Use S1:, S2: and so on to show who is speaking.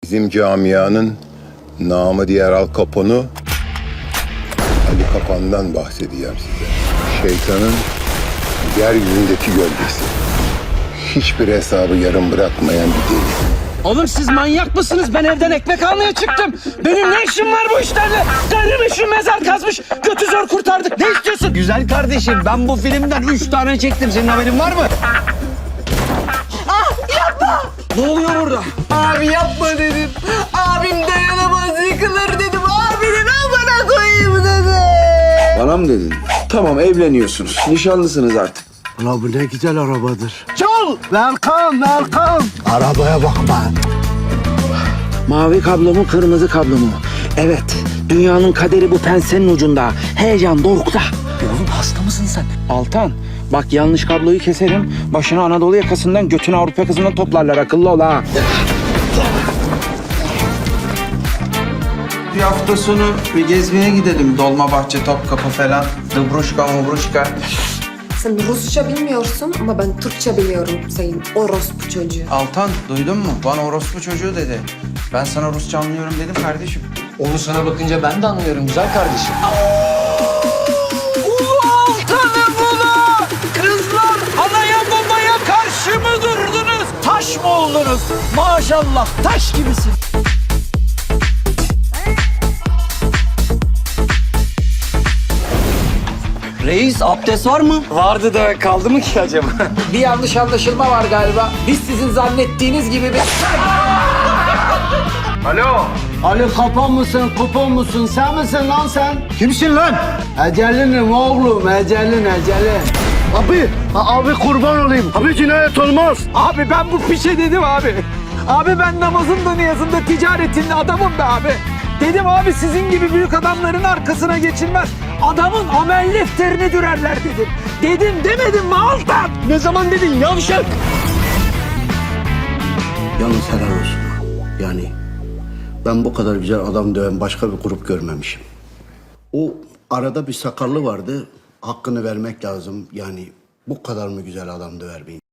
S1: Bizim camianın namı diğer Al Capone'u Ali Kapan'dan bahsedeceğim size. Şeytanın yeryüzündeki gölgesi. Hiçbir hesabı yarım bırakmayan bir deli.
S2: Oğlum siz manyak mısınız? Ben evden ekmek almaya çıktım. Benim ne işim var bu işlerle? Kardeşim mezar kazmış. Götü zor kurtardık. Ne istiyorsun?
S3: Güzel kardeşim, ben bu filmden 3 tane çektim. Senin haberin var mı?
S2: Ne oluyor burada?
S3: Abi yapma dedim. Abim dayanamaz, yıkılır dedim. Abinin amına koyayım dedim.
S4: Bana mı dedin? Tamam, evleniyorsunuz. Nişanlısınız artık.
S5: Ulan bu ne güzel arabadır.
S3: Çal!
S5: Welcome, welcome. Arabaya bak be.
S2: Mavi kablo mu, kırmızı kablo mu? Evet, dünyanın kaderi bu pensenin ucunda. Heyecan dorukta. Oğlum hasta mısın sen? Altan, bak yanlış kabloyu keserim. Başını Anadolu yakasından, götünü Avrupa yakasından toplarlar. Akıllı ol ha.
S4: Bir hafta sonu bir gezmeye gidelim. Dolmabahçe, Topkapı falan. Dıbruşka, mubruşka.
S6: Sen Rusça bilmiyorsun ama ben Türkçe biliyorum sayın orospu çocuğu.
S4: Altan, duydun mu? Bana orospu çocuğu dedi. Ben sana Rusça anlıyorum dedim kardeşim.
S3: Onu sana bakınca ben de anlıyorum güzel kardeşim.
S2: Altanım ula! Kızlar anaya babaya karşı mı durdunuz? Taş mı oldunuz? Maşallah taş gibisin.
S3: Reis, abdest var mı?
S2: Vardı da kaldı mı ki acaba? Bir yanlış anlaşılma var galiba. Biz sizin zannettiğiniz gibi bir...
S5: Ali Kapan mısın, kupon musun? Sen misin lan sen? Kimsin lan? Ecelinim oğlum, ecelin. Abi kurban olayım. Abi cinayet olmaz.
S2: Abi ben bu pişe dedim abi. Abi ben namazında niyazında ticaretinde adamım be abi. Dedim abi sizin gibi büyük adamların arkasına geçilmez. Adamın amel defterini dürerler dedim. Dedim demedim mi Altan? Ne zaman dedin yavşak?
S5: Yalnız helal olsun. Yani ben bu kadar güzel adam döven başka bir grup görmemişim. O arada bir sakallı vardı. Hakkını vermek lazım. Yani bu kadar mı güzel adam döver bir